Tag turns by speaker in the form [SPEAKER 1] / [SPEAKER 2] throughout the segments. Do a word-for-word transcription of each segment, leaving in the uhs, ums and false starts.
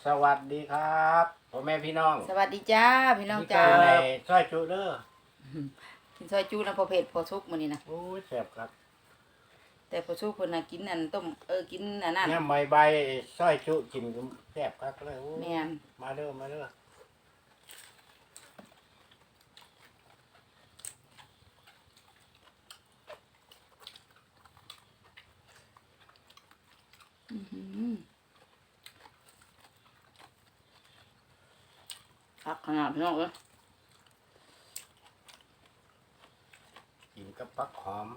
[SPEAKER 1] สวัสดีครับพ่อแม่พี่น้อง
[SPEAKER 2] สวัสดีจ้าพี่น้องจ้า
[SPEAKER 1] ในซอยจุเด้อ
[SPEAKER 2] กินซอยจูนะพอเผ็ดพอซุกมื้อนี้นะ
[SPEAKER 1] โอ้ยแซ่บครับ
[SPEAKER 2] แต่พอซุกเพิ่นน่ะกินอันต้มเออกินอันนั้น
[SPEAKER 1] เนี่ยใบใบซอยจุกินแซ่บครับเลยโอ้ย
[SPEAKER 2] แม่น
[SPEAKER 1] มาเด้อมาเด้อ
[SPEAKER 2] อื้อหือคักขนาดพี่น้องเอ้ย
[SPEAKER 1] กินกับผักหอม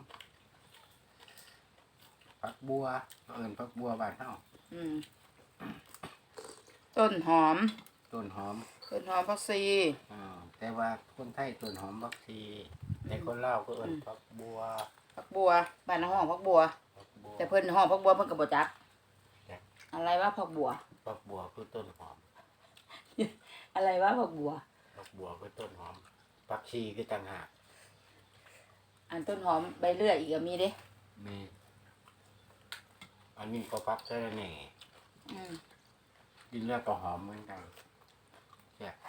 [SPEAKER 1] ผักบัวเอิ้นผักบัวบ้านเฮา
[SPEAKER 2] อืมต้นหอม
[SPEAKER 1] ต้นหอม
[SPEAKER 2] ต้นหอมผักชี
[SPEAKER 1] อ่าแต่ว่าคนไทยต้นหอมบักทีในคนลาวก็เอิ้นผักบัว
[SPEAKER 2] ผักบัวบ้านห้องผักบัว
[SPEAKER 1] ผักบัว
[SPEAKER 2] แต่เพิ่นห้องผักบัวเพิ่นก็บ่จัก
[SPEAKER 1] จัก
[SPEAKER 2] อะไรว่าผักบัว
[SPEAKER 1] ผักบัวคือต้นหอม
[SPEAKER 2] อะไรว่าผักบัว
[SPEAKER 1] ผักบัวคือต้นหอมผักชีคือต่างหาก
[SPEAKER 2] อันต้นหอมใบเลื่อยอีกก็มีเด้
[SPEAKER 1] มีอันนี้ก็พักแค่นั้นเอง
[SPEAKER 2] อืม
[SPEAKER 1] กินแล้วก็หอมเหมือนกันแซ่บ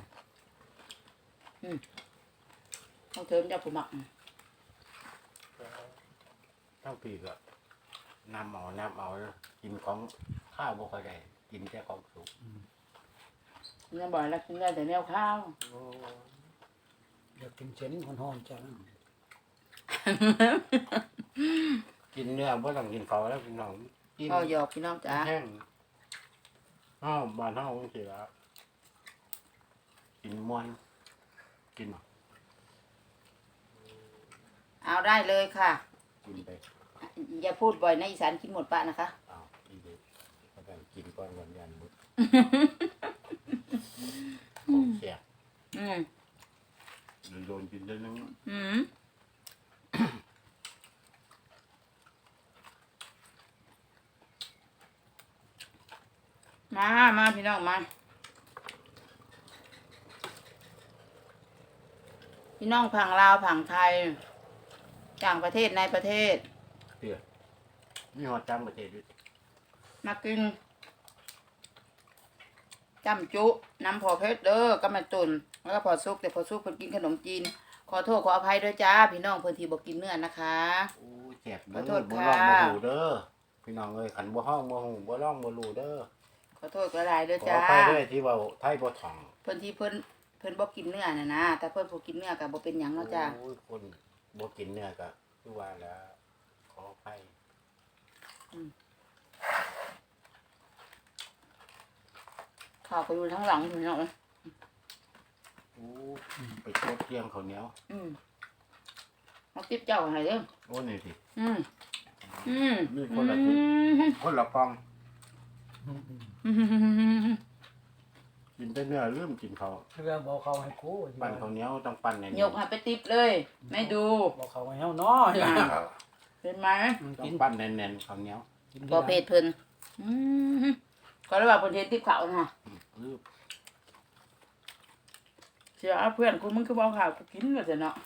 [SPEAKER 2] ต้องเทิมจากผู้หมัก
[SPEAKER 1] เท่าปีก็น้ำเอาน้ำเอากินของข้าวบ่ค่อยได้กินแค่ของสุก
[SPEAKER 2] ยังบ่อยแล้วกินได้แต่แนวข้าว
[SPEAKER 1] โอ้
[SPEAKER 3] อยากกินเส้นห่อนๆจัง
[SPEAKER 1] กินเนื้อบ่ต้องกินเขาแล้วพี่น้องกิน
[SPEAKER 2] ก็หยอกพี่น้องจ้า
[SPEAKER 1] แห้งอ้าวบ้านเฮาจังซี่ล่ะกินม่วนกิน
[SPEAKER 2] เอาได้เลยค่ะ
[SPEAKER 1] กินไป
[SPEAKER 2] อย่าพูดบ่อยนะอีสานกินหมดปะนะคะ
[SPEAKER 1] อ้าวอีเด็กก็ต้องกินก่อนวันยันบุตรของแซ่บ
[SPEAKER 2] อืม
[SPEAKER 1] โดนกินได้นึง
[SPEAKER 2] อืมมามาพี่น้องมาพี่น้องผังลาวผังไทยต่างประเทศในประเทศ
[SPEAKER 1] เตี้ยมีฮอดจังประเทศด้วย
[SPEAKER 2] มากินจำจุน้ำพอเพชรเด้อก็มาตุนแล้วก็พอซุกแต่พอซุกเพิ่นกินขนมจีนขอโทษขออภัยด้วยจ้าพี่น้องเพิ่นที่บ่กินเนื้อนะคะ
[SPEAKER 1] โอ้ยแซ่บ
[SPEAKER 2] ขอโท
[SPEAKER 1] เด้อ
[SPEAKER 2] ษ
[SPEAKER 1] บ่
[SPEAKER 2] ค่ะ
[SPEAKER 1] ร้องบ่หูเด้อพี่น้องเอ้ยขันบ่ฮ้องบ่หูบ่ร้องบ่รู้เด้อ
[SPEAKER 2] ขอโทษก็หลายเด้อ
[SPEAKER 1] ขอ
[SPEAKER 2] จ้า
[SPEAKER 1] อภัยด้วยที่เว้าไทยบ่ถ่อง
[SPEAKER 2] เพิ่นที่เพิ่นเพิ่นบ่กินเนื้อน่ะนะแต่เพิ่นบ่กินเนื้อก็บ่เป็นหยังเนาะจ้า
[SPEAKER 1] โอ้ยคนบ่กินเนื้อก็คือว่าแล้วขออภัย
[SPEAKER 2] ข้าวก็อยู่ทั้งหลังพี่น้อง
[SPEAKER 1] โอ้ไปชดเที่ยงข้าวเหนียว
[SPEAKER 2] อืมเอาติ๊บเจ้าให้เด้อ
[SPEAKER 1] โอ้นี่สิ
[SPEAKER 2] อืมอืม
[SPEAKER 1] มีคนละทิศคนละกล่อง
[SPEAKER 2] อืม
[SPEAKER 1] กินแต่เนื้อลืมกินข้าว
[SPEAKER 3] เรื่องบอกเขาให้กู
[SPEAKER 1] ปั้นข้าวเหนียวต้องปั้นแน่น
[SPEAKER 2] ยกให้ไปติ๊บเลยไม่ดู
[SPEAKER 3] บอกเขาให้เฮาเนาะ
[SPEAKER 2] เป็นไหม
[SPEAKER 1] ต้อ
[SPEAKER 3] กิ
[SPEAKER 1] ง
[SPEAKER 3] น
[SPEAKER 1] ปั้นแน่นๆข้าวเหนียว
[SPEAKER 3] กิน
[SPEAKER 2] บ่เพศเพิ่นอืมก็เลยว่าเพิ่นเฮ็ดติ๊บข้าวน่ะ
[SPEAKER 1] ลืม
[SPEAKER 2] เสียเพื่อนกูมึงคือบ่เอาข้าวกูกินว่าซั่นเนาะ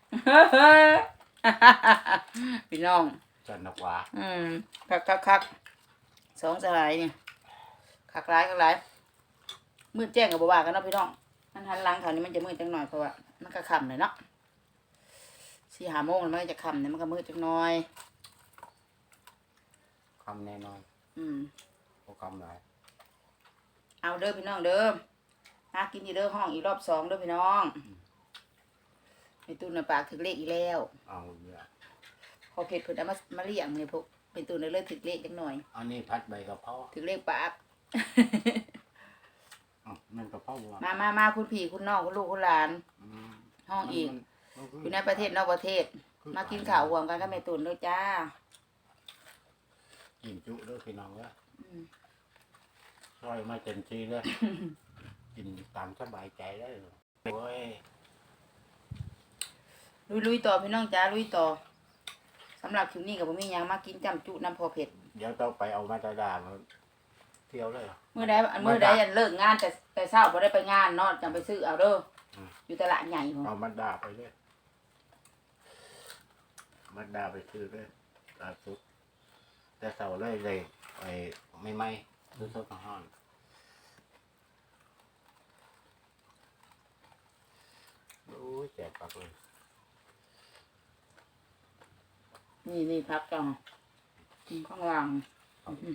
[SPEAKER 2] พี่น้อง
[SPEAKER 1] จันทร์กว่า
[SPEAKER 2] อืมคักคักคักสองสลายนี่คักหลายคักหลายมืดแจ้งกับบ่ว่ากันเนาะพี่น้องมันหันหลังเขานี่มันจะมืดจังหน่อยเพราะว่ามันก็ค่ำเลยเนาะสี่ห้าโมงแล้วมันก็จะค่ำเนี่ยมันก็มืดจังหน่อย
[SPEAKER 1] คำแน่นอน
[SPEAKER 2] อืม
[SPEAKER 1] บ่คำหลาย
[SPEAKER 2] เอาเด้อพี่น้องเด้อหากินอีเด้อห้องอีกรอบสองเด้อพี่น้องไอ้ตุ้นน่ะปากถึกเลขอีกแล้ว
[SPEAKER 1] เอาเยอะ
[SPEAKER 2] พอเผ็ดเพิ่นเอามามาเลี้ยงเนี่ยพวกเป็นตุ้นเลยถึกเลขจังหน่อย
[SPEAKER 1] อันนี้พัดใบกะเพรา
[SPEAKER 2] ถึกเลขปาก
[SPEAKER 1] อ๋อมันกะเพราบ่
[SPEAKER 2] มามามาคุณพี่คุณน้องคุณลูกคุณหลาน
[SPEAKER 1] อืม
[SPEAKER 2] ห้องอีก
[SPEAKER 1] มัน
[SPEAKER 2] อยู่ในประเทศนอกประเทศ มากินข้าวห่วงกันกับแม่ตุ่นด้วยจ้า
[SPEAKER 1] กินจุเด้อพี่น้องเด้อ
[SPEAKER 2] อืม
[SPEAKER 1] ซอยมาเต็มที่เลย กินตามสบายใจได้เลยโอ้ย
[SPEAKER 2] ลุยลุยต่อพี่น้องจ้าลุยต่อสำหรับคลิปนี้กับผมมีหยังมากินจำจุน้ำพอเผ็ด
[SPEAKER 1] เดี๋ยวต้องไปเอามาตาดามาเที่ยวเลย
[SPEAKER 2] เมื่อใดอันเมื่อใดอันเลิกงานแต่แต่เช้าบ่ได้ไปงานเนาะจังไปซื้อเอาเด้อออยู่ตลาดใหญ่พุ่น
[SPEAKER 1] เอามาดาไปเลยมาดาไปซื้อเลยตาซุปแต่เสาเลยเลยไอ้ไม่ไม่ซื้อซุปห้อนโอ้ยแจกปักเลย
[SPEAKER 2] นี่นี่พักก่อนอืมข้างล่างอืม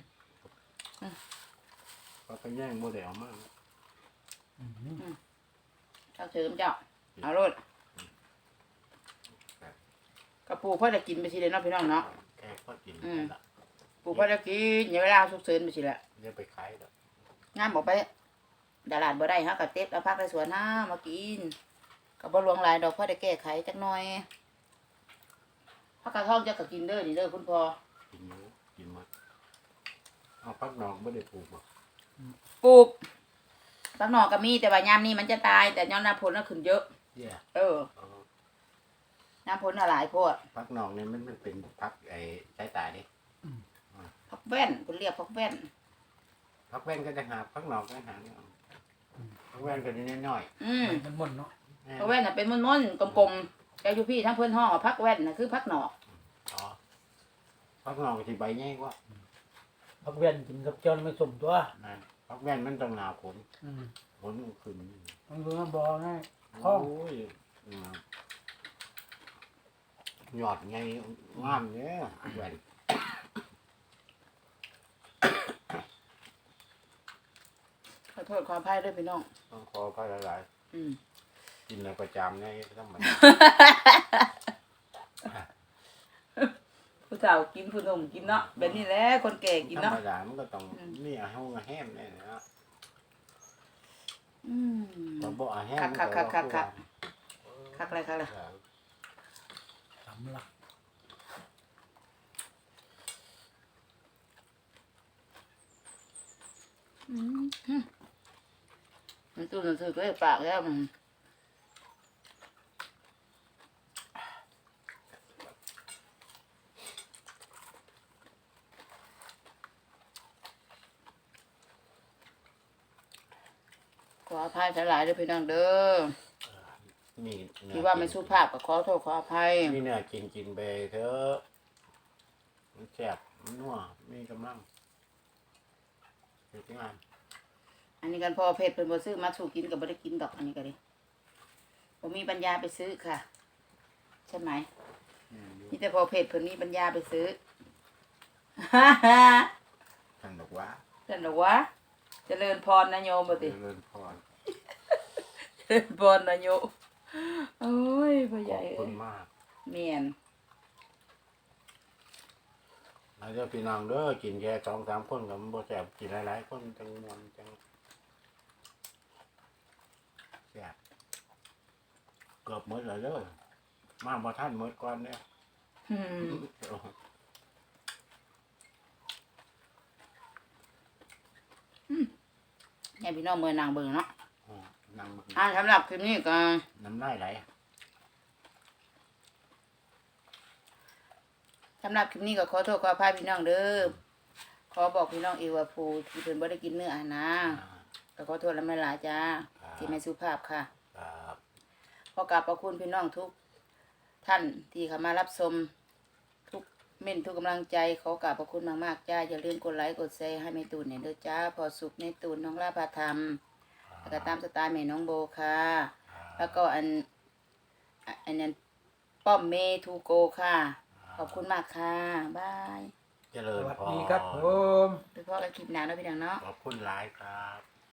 [SPEAKER 1] ปักไปแย่งโมเดลมาก
[SPEAKER 3] อืม
[SPEAKER 2] ข้าวเสริมเจ้าเอาโลดกระปูพ่อจะกินไปสิเลยเนาะพี่น้องเนาะ
[SPEAKER 1] แค่ก็กิน
[SPEAKER 2] อืม
[SPEAKER 1] ละ
[SPEAKER 2] ปูพ่อจะกินอย่าเวลาสุกเสริญไปสิแหละ
[SPEAKER 1] เดี๋ยวไปขายแล้ว
[SPEAKER 2] งานบอกไปตลาดบ่ได้ฮะกับเต็บแล้วพักในสวนห้ามากินกับบ่หลวงหลายดอกพ่อได้แก้ไขจักหน่อยพักกระท่องจะก็กินเด้อนี่เด้อคุณพ่อ
[SPEAKER 1] กินเยอะกินหมดเอาพักนอกไม่ได้ปลูกหรอก
[SPEAKER 2] ปลูกพักหนอกก็มีแต่ว่ายามนี้มันจะตายแต่ยอดน้ำผลน่ะขึ้นเยอะ
[SPEAKER 1] เย่
[SPEAKER 2] เออ
[SPEAKER 1] เอา
[SPEAKER 2] น้ำผลน่ะหลายโพด
[SPEAKER 1] พักนอกเนี่ยมันมันเป็นพักไอ้ใช้ตายดิ
[SPEAKER 2] พักแว่นคุณเรียกพักแว่น
[SPEAKER 1] พักแว่นก็จะหาพักนอกก็หาเนี่ยพักแว่นก็นิดน้อย
[SPEAKER 2] อืม
[SPEAKER 3] มันม่วนเนาะ
[SPEAKER 1] ๆ
[SPEAKER 2] พักแว่นน่ะเป็นม้วนๆกลมๆแต่อยู่พี่ทั้งเพื่อนห้องว่าพักแว่นน่ะคือพักหนอก
[SPEAKER 1] อ๋อพักนอกที่ใบใหญ่กว่า
[SPEAKER 3] พักเวียนกินกับเจ้านี่ไม่สมตัว
[SPEAKER 1] นั่นพักแว่นมันต้องหนาผล
[SPEAKER 3] อืม
[SPEAKER 1] ผลมันขึ้น
[SPEAKER 3] มันคือมันบ่ง่าย
[SPEAKER 1] โอ้ยอืมหยอดไงงามเนี่ยแว่น
[SPEAKER 2] ขอโทษขออภัยด้วยพี่น้อง
[SPEAKER 1] ต้องคอก็หลาย
[SPEAKER 2] อืม
[SPEAKER 1] ๆกินแล้วประจำเนี่ยต้องมัน
[SPEAKER 2] ผู้สาวกินผู้หนุ่มกินเนาะแบบนี้แหละคนแก่กิน
[SPEAKER 1] ธร
[SPEAKER 2] เนาะ
[SPEAKER 1] รมดามันก็ต้อง
[SPEAKER 2] อืม
[SPEAKER 1] นี่อาห้องอาแฮมเนี่ยนะ
[SPEAKER 2] อืม
[SPEAKER 1] แต่บ่อาแฮม
[SPEAKER 2] คักคักคักคัก คักอะไรคักอะไร
[SPEAKER 3] สำลัก
[SPEAKER 2] อืมอืมมันตู้หนังสือก็ได้ปากแล้วมันขออภัยหลายๆด้วยพี่น้องเด้อ
[SPEAKER 1] มีเนื้อ
[SPEAKER 2] ที่ว่าไม่สุภาพก็ขอโทษขออภัย
[SPEAKER 1] มีเนื้อกินกินไปเถอะมันแซ่บมันนัวมีกำลังเฮ็ดงาน
[SPEAKER 2] อันนี้กันพอเพชรเพิ่นบ่ซื้อมาสู่กินก็บ่ได้กินดอกอันนี้ก็ดิบ่มีปัญญาไปซื้อค่ะ ใช่ไหม
[SPEAKER 1] อืมอยู่
[SPEAKER 2] นี่แต่พอเพจเพิ่นมีปัญญาไปซื้อ
[SPEAKER 1] ท่านบอกว่า
[SPEAKER 2] ท่านบอกว่าเจริญพรนะโยมบ่
[SPEAKER 1] เจ
[SPEAKER 2] ติ
[SPEAKER 1] ริญพร
[SPEAKER 2] เจริญพรนะโยมโอ้ยพ่อให
[SPEAKER 1] ข
[SPEAKER 2] ญ่
[SPEAKER 1] อบ
[SPEAKER 2] เอ้
[SPEAKER 1] คุ
[SPEAKER 2] ย
[SPEAKER 1] ณมาก
[SPEAKER 2] เมียน
[SPEAKER 1] แล้วเจ้าพี่น้องเด้อกินแค่สองสามคนก็มันบ่แซ่บกินหลายๆคนจังมวนจังแซ่บเกือบหมดแล้วเด้อมาบ่ทันหมดก่อนเนี่ย
[SPEAKER 2] อืมให้พี่น้องเมืองนางเบิ่งเนาะ
[SPEAKER 1] อ๋อนั่งมา
[SPEAKER 2] อ่าสำหรับคลิปนี้ก็
[SPEAKER 1] น้ำลายไหล
[SPEAKER 2] สำหรับคลิปนี้ก็ขอโทษขออภัยพี่น้องเด้อขอบอกพี่น้องอีกว่าผู้ที่เพิ่นบ่ได้กินเนื้ออาหารนะ
[SPEAKER 1] อ่า
[SPEAKER 2] ก็ขอโทษและไม่หลายจ้า
[SPEAKER 1] ครับ
[SPEAKER 2] ที่ไม่สุภาพค่ะ
[SPEAKER 1] ครับ
[SPEAKER 2] ขอกราบขอบคุณพี่น้องทุกท่านที่เข้ามารับชมทุกเม่นทุกกำลังใจขอกราบขอบคุณมากๆจ้าอย่าลืมกดไลค์กดแชร์ให้แม่ตูนเนี่ยเด้อจ้าพอสุขในตูนน้องลาภาธรรมแล้วก็ตามสไตล์แม่น้องโบค่ะ แล้วก็อันอ่ะอันนั้นป้อมเมทูโกค่ะ ขอบคุณมากค่ะบาย
[SPEAKER 1] เจริ
[SPEAKER 3] ส
[SPEAKER 1] ญ
[SPEAKER 3] วัส
[SPEAKER 1] พร
[SPEAKER 3] ดีครับผม
[SPEAKER 2] โดยเฉพาะกันคลิปหน้าเนาะพี่น้องเนาะ
[SPEAKER 1] ขอบคุณหลายครับ